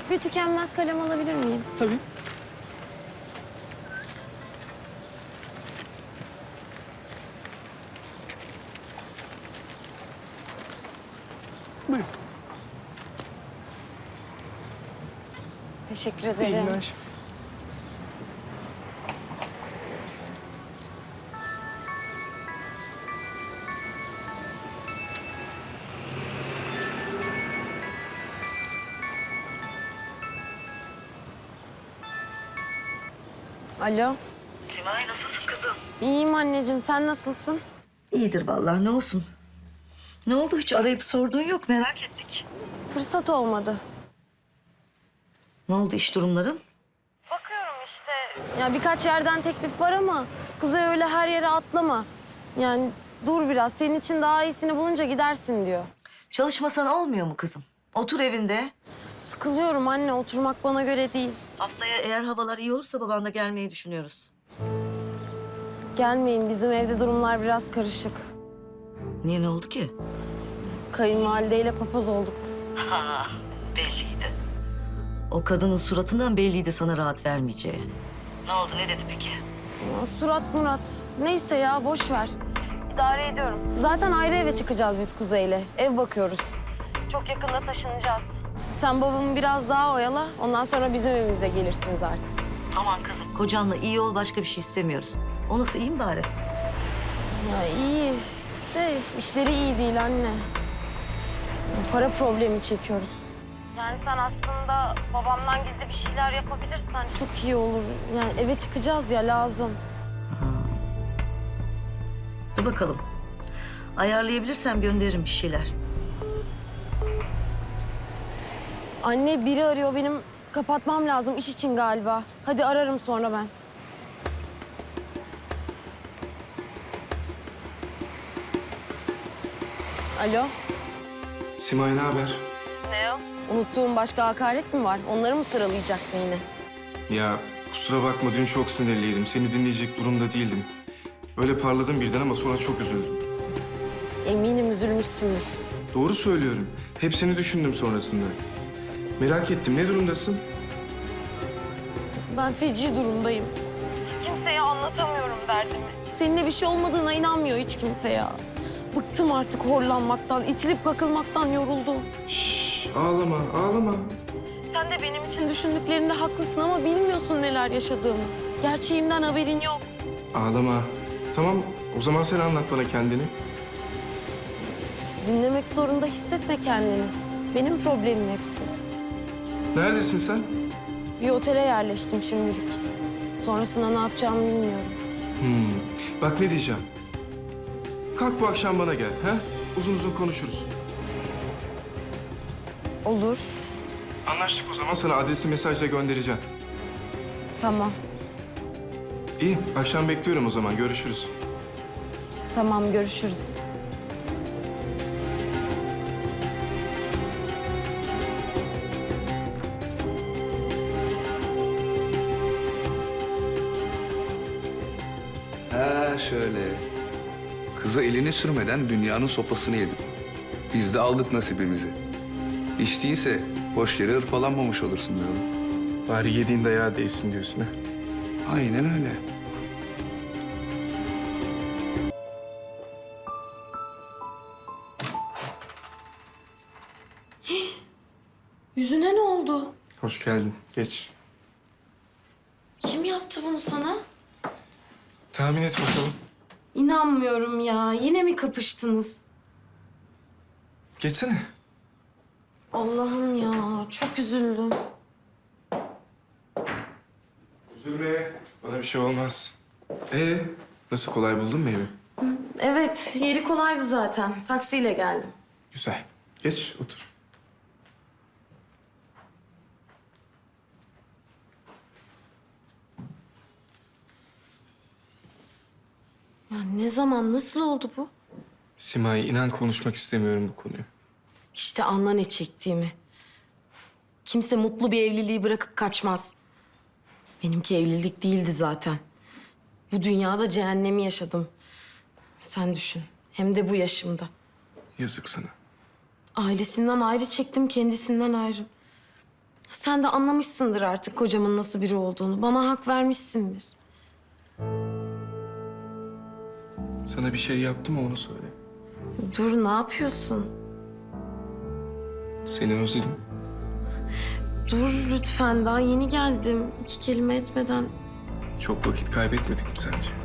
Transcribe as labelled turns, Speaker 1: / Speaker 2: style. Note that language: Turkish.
Speaker 1: Bir tükenmez kalem alabilir miyim?
Speaker 2: Tabii. Buyurun.
Speaker 1: Teşekkür
Speaker 2: İyi
Speaker 1: ederim.
Speaker 2: günler.
Speaker 1: Alo.
Speaker 3: Simay nasılsın kızım?
Speaker 1: İyiyim anneciğim. Sen nasılsın?
Speaker 3: İyidir vallahi ne olsun. Ne oldu hiç arayıp sorduğun yok merak ettik.
Speaker 1: Fırsat olmadı.
Speaker 3: Ne oldu iş durumların?
Speaker 1: Bakıyorum işte. Ya birkaç yerden teklif var ama Kuzey öyle her yere atlama. Yani dur biraz. Senin için daha iyisini bulunca gidersin diyor.
Speaker 3: Çalışmasan olmuyor mu kızım? Otur evinde.
Speaker 1: Sıkılıyorum anne. Oturmak bana göre değil.
Speaker 3: Haftaya eğer havalar iyi olursa babanla gelmeyi düşünüyoruz.
Speaker 1: Gelmeyin. Bizim evde durumlar biraz karışık.
Speaker 3: Niye ne oldu ki?
Speaker 1: Kayınvalideyle papaz olduk.
Speaker 3: Ha, belliydi. O kadının suratından belliydi sana rahat vermeyeceği. Ne oldu ne dedi peki?
Speaker 1: Ya, surat Murat. Neyse ya boş ver. İdare ediyorum. Zaten ayrı eve çıkacağız biz Kuzey'le. Ev bakıyoruz. Çok yakında taşınacağız. Sen babamı biraz daha oyala. Ondan sonra bizim evimize gelirsiniz artık.
Speaker 3: Aman kızım. Kocanla iyi ol başka bir şey istemiyoruz. O nasıl iyi mi bari?
Speaker 1: Ya iyi de işleri iyi değil anne. Para problemi çekiyoruz. Yani sen aslında babamdan gizli bir şeyler yapabilirsen çok iyi olur. Yani eve çıkacağız ya lazım.
Speaker 3: Dur bakalım. Ayarlayabilirsem gönderirim bir şeyler.
Speaker 1: Anne biri arıyor benim kapatmam lazım iş için galiba. Hadi ararım sonra ben. Alo.
Speaker 4: Simay ne haber?
Speaker 1: Ne o? Unuttuğum başka hakaret mi var? Onları mı sıralayacaksın yine?
Speaker 4: Ya kusura bakma dün çok sinirliydim. Seni dinleyecek durumda değildim. Öyle parladım birden ama sonra çok üzüldüm.
Speaker 1: Eminim üzülmüşsündür.
Speaker 4: Doğru söylüyorum. Hepsini düşündüm sonrasında. Merak ettim ne durumdasın?
Speaker 1: Ben feci durumdayım. Kimseye anlatamıyorum derdimi. Seninle bir şey olmadığına inanmıyor hiç kimse ya. Bıktım artık horlanmaktan, itilip kakılmaktan yoruldum.
Speaker 4: Şşş ağlama ağlama.
Speaker 1: Sen de benim için düşündüklerinde haklısın ama bilmiyorsun neler yaşadığımı. Gerçeğimden haberin yok.
Speaker 4: Ağlama. Tamam o zaman sen anlat bana kendini.
Speaker 1: Dinlemek zorunda hissetme kendini. Benim problemim hepsi.
Speaker 4: Neredesin sen?
Speaker 1: Bir otele yerleştim şimdilik. Sonrasında ne yapacağımı bilmiyorum.
Speaker 4: Bak ne diyeceğim. Kalk bu akşam bana gel. Ha? Uzun uzun konuşuruz.
Speaker 1: Olur.
Speaker 4: Anlaştık o zaman. Sana adresi mesajla göndereceğim.
Speaker 1: Tamam.
Speaker 4: İyi akşam bekliyorum o zaman. Görüşürüz.
Speaker 1: Tamam görüşürüz.
Speaker 5: Ha şöyle. Kıza elini sürmeden dünyanın sopasını yedim. Biz de aldık nasibimizi. Hiç değilse boş yere hırpalanmamış olursun be oğlum.
Speaker 4: Bari yediğin dayağı değsin diyorsun ha.
Speaker 5: Aynen öyle.
Speaker 1: Yüzüne ne oldu?
Speaker 4: Hoş geldin. Geç.
Speaker 1: Kim yaptı bunu sana?
Speaker 4: Tahmin et bakalım.
Speaker 1: İnanmıyorum ya. Yine mi kapıştınız?
Speaker 4: Geçsene.
Speaker 1: Allah'ım ya. Çok üzüldüm.
Speaker 4: Üzülme. Bana bir şey olmaz. Nasıl kolay buldun mu evi?
Speaker 1: Evet. Yeri kolaydı zaten. Taksiyle geldim.
Speaker 4: Güzel. Geç otur.
Speaker 1: Ya ne zaman, nasıl oldu bu?
Speaker 4: Simay inan konuşmak istemiyorum bu konuyu.
Speaker 1: İşte anla ne çektiğimi. Kimse mutlu bir evliliği bırakıp kaçmaz. Benimki evlilik değildi zaten. Bu dünyada cehennemi yaşadım. Sen düşün. Hem de bu yaşımda.
Speaker 4: Yazık sana.
Speaker 1: Ailesinden ayrı çektim, kendisinden ayrı. Sen de anlamışsındır artık kocamın nasıl biri olduğunu. Bana hak vermişsindir.
Speaker 4: Sana bir şey yaptı mı onu söyle.
Speaker 1: Dur, ne yapıyorsun?
Speaker 4: Seni özledim.
Speaker 1: Dur lütfen, daha yeni geldim. 2 kelime etmeden.
Speaker 4: Çok vakit kaybetmedik mi sence?